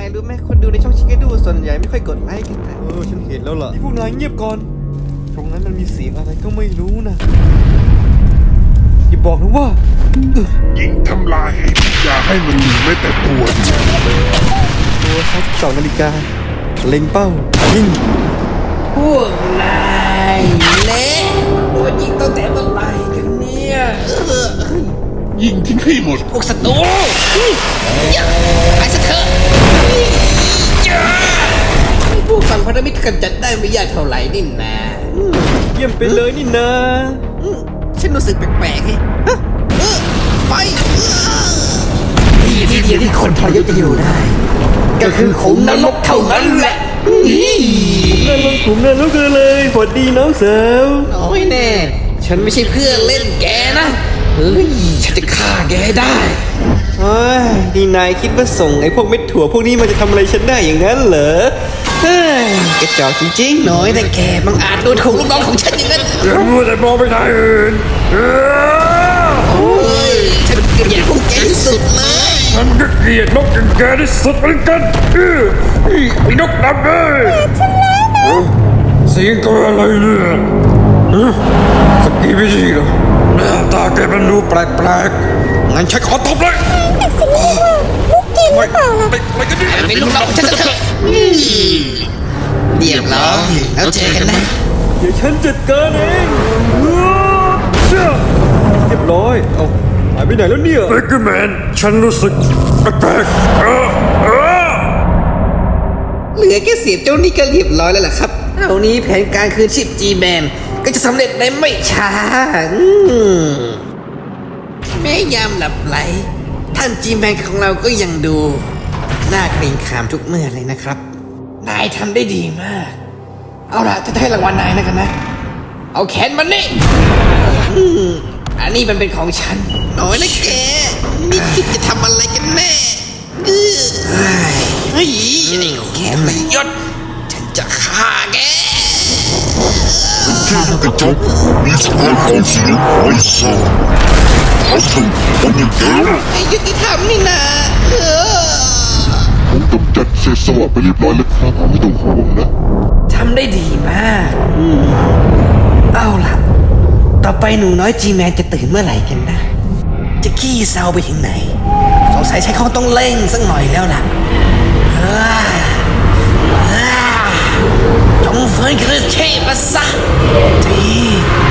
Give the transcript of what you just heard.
รู้ไหมคนดูในช่องชิคกี้ดูส่วนใหญ่ไม่ค่อยกดไลค์กันนะฉันเห็นแล้วล่ะพวกนายเงียบก่อนตรงนั้นมันมีเสียงอะไรก็ไม่รู้นะอย่าบอกนะว่ายิงทำลายอย่าให้มันเหลือแม้แต่ตัวเดียวตัว32 นาฬิกาเล็งเป้ายิงพวกนายเละโดนยิงตั้งแต่เมื่อไหร่กันเนี่ยยิงทิ้งให้หมดพวกศัตรูไปซะเถอะพวกฝั่งพันธมิตรกำจัดได้ไม่ยากเท่าไหร่นี่นะเยี่ยมไปเลยนี่นะฉันรู้สึกแปลกๆไงไปที่เดียวที่คนทรยศจะอยู่ได้ก็คือขุมนรกเท่านั้นแหละนั่นลงขุมนั่นแล้วกันเลยสวัสดีน้องสาวน้อยแน่ฉันไม่ใช่เพื่อนเล่นแกนะเฮ้ยฉันจะฆ่าแกได้เฮ้ยนี่นายคิดว่าส่งไอ้พวกเม็ดถั่วพวกนี้มันจะทำอะไรฉันได้อย่างนั้นเหรอเฮ้ยกระจอกจริงๆน้อยแต่แกบังอาจโดนถูกลูกน้องของฉันอย่างนั้นอย่ามัวแต่มองไปทางอื่นโอ้ยฉันเกลียดพวกแกที่สุดเลยฉันก็เกลียดนกอย่างแกที่สุดเหมือนกันไอ้นกดำเลยเสียงตัวอะไรเนี่ยสกีไม่ดีหรอหน้าตาแกมันดูแปลกๆงั้นฉันขอตบเลยไม่กันดิเป็นลูกน้องฉันเถอะเรียบร้อยแล้วเจอกันนะเดี๋ยวฉันจัดการเองเรียบร้อยเอาหายไปไหนแล้วเนี่ยเบเกอร์แมนฉันรู้สึกแปลกเหลือแค่เสียบเจ้านี่ก็เรียบร้อยแล้วล่ะครับเท่านี้แผนการคืนชีพจีแมนก็จะสำเร็จในไม่ช้าแม้ยามหลับไหลท่านจีแมนของเราก็ยังดูน่าเกรงขามทุกเมื่อเลยนะครับนายทำได้ดีมากเอาล่ะจะให้รางวัลนายนะกันนะเอาแขนมันนี่อันนี้มันเป็นของฉันน้อยนะแกนี่คิดจะทำอะไรกันแน่เฮ้ยนี่แกไม่ยศฉันจะฆ่าแกที่กระจกมีสมองของเสียงไม่ทราบเขาถึงคนอย่างแกไอ้ยุติธรรมนี่นะผมกำจัดเศษสวะไปเรียบร้อยแล้วครับไม่ต้องห่วงนะทำได้ดีมากเอาล่ะต่อไปหนูน้อยจีแมนจะตื่นเมื่อไหร่กันนะจะขี้เศร้าไปถึงไหนสงสัยใช้เขาต้องเร่งสักหน่อยแล้วล่ะจงฟื้นคืนชีพมาซะที